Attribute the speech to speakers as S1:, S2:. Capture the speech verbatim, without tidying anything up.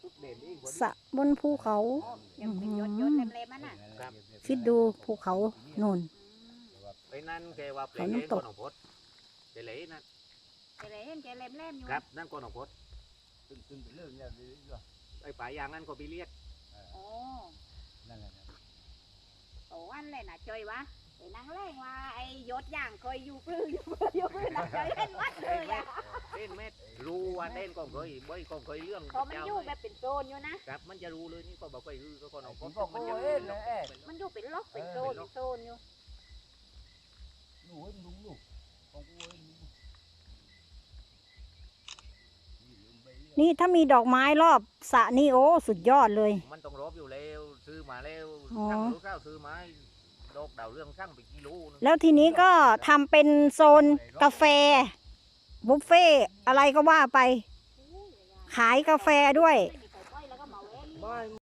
S1: สระบนภูเขา
S2: ยังเป็นยศยศเล็มๆมันน่ะ
S1: คิดดูภูเขาโน่น
S3: ไปนั่นแกว่าเปลยก้อนของพดเปลยนั่น
S2: เจเลยเห็นแกเล็มๆอยู่
S3: ครับนั่นก้อนของพด
S4: ตึ้งตึ้งไปเรื่องเนี่ยดีกว่า
S3: ไอ้ป่ายางนั่นก็ไปเรียก
S2: โอ้
S4: นั่นแหละ
S2: โอ้วันเลยน่ะจอยวะไปนั่งเล่งว่าไอ้ยศย่างเคยอยู่ปลื้ออยู่ปลื้ออยู่ปลื้อน่ะจอยเห็นวัดเลยอ่ะ
S3: เต้นเม็ดรู้ว่าเต้นก็เคยบ่อยก็เคยเรื่อง
S2: พอมันอยู่แบบเป็นโซนอยู่นะครับ
S3: มันจะรู้เลยนี่ก็บอกเคยรู้ก็ก้อนของพ
S4: ผม
S3: ด
S4: บอก
S3: มัน
S4: โอ้
S3: จะ
S4: ย
S3: รู้
S4: เอ๊ะ
S2: มันอยู่เป็นล็อกเป็นโซนเป็นโซนอยู่
S4: หนูให้ลุงลูกของกูให้ลุง
S1: นี่ถ้ามีดอกไม้รอบสระนี่โอ้สุดยอดเลย
S3: มันต้องรบอยู่แล้วซื้อมาแล้ว
S1: อ๋อ
S3: ช่างรู้ข้าวซื้อมาดอกดาวเรื่องช่างไปกิโลนึง
S1: แล้วทีนี้ก็ทำเป็นโซนกาแฟ บุฟเฟ่ต์อะไรก็ว่าไป ขายกาแฟด้วย
S2: ไม่มีใครปล่อยแล้วก็เหมาเอง
S4: ไม่